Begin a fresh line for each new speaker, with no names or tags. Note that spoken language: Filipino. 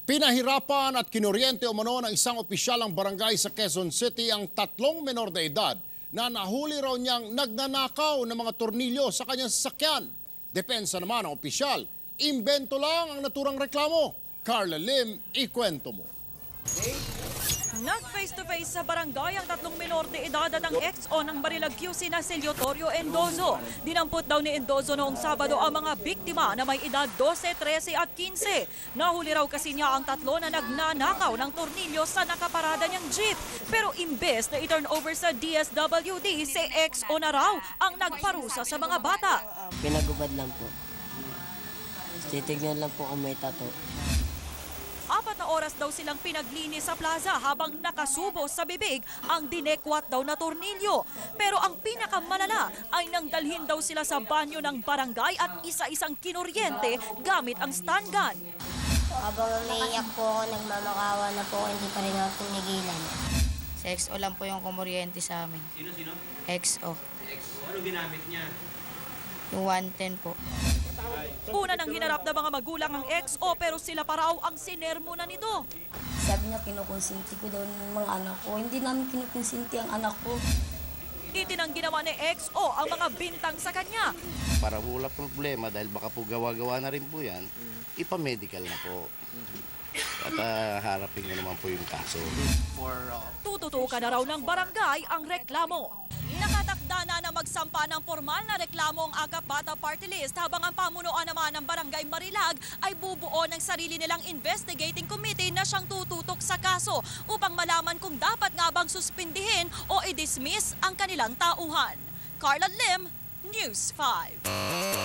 Pinahirapan at kinuryente umano ng isang opisyalang barangay sa Quezon City ang 3 menor de edad na nahuli raw niyang nagnanakaw ng mga tornilyo sa kanyang sasakyan. Depensa naman ng opisyal, imbento lang ang naturang reklamo. Carla Lim, ikwento mo.
Nag-face-to-face sa barangay ang 3 menor de edad at ang ex-o ng Barilag QC na si Leotorio Endozo. Dinampot daw ni Endozo noong Sabado ang mga biktima na may edad 12, 13 at 15. Nahuli raw kasi niya ang 3 na nagnanakaw ng tornilyo sa nakaparada niyang jeep. Pero imbes na i-turn over sa DSWD, si ex-o na raw ang nagparusa sa mga bata.
Pinagubad lang po. Titignan lang po kung may tato.
4 na oras daw silang pinaglinis sa plaza habang nakasubo sa bibig ang dinekwat daw na tornilyo. Pero ang pinakamalala ay nang dalhin daw sila sa banyo ng barangay at isa-isang kinuryente gamit ang stun gun.
Habang umiiyak po ako, nagmamakawa na po ako, hindi pa rin ako tinigilan.
Sa XO lang po yung kumuryente sa amin.
Sino?
XO.
Ano ginamit niya?
Yung 110 po.
Una nang hinarap ng mga magulang ang ex-o pero sila pa raw ang sinermo na nito.
Sabi niya, kinukonsinti ko daw ng mga anak ko. Hindi namin kinukonsinti ang anak ko.
Itinanggi naman ni ex-o ang mga bintang sa kanya.
Para wala problema dahil baka po gawa-gawa na rin po yan, ipa-medical na po. At harapin ko naman po yung kaso.
Tututukan na raw ng barangay ang reklamo. Nakatakda na magsampa ng formal na reklamo ang Akap Bata Party List habang ang pamunuan naman ng Barangay Marilag ay bubuo ng sarili nilang investigating committee na siyang tututok sa kaso upang malaman kung dapat nga bang suspindihin o i-dismiss ang kanilang tauhan. Carla Lim, News 5.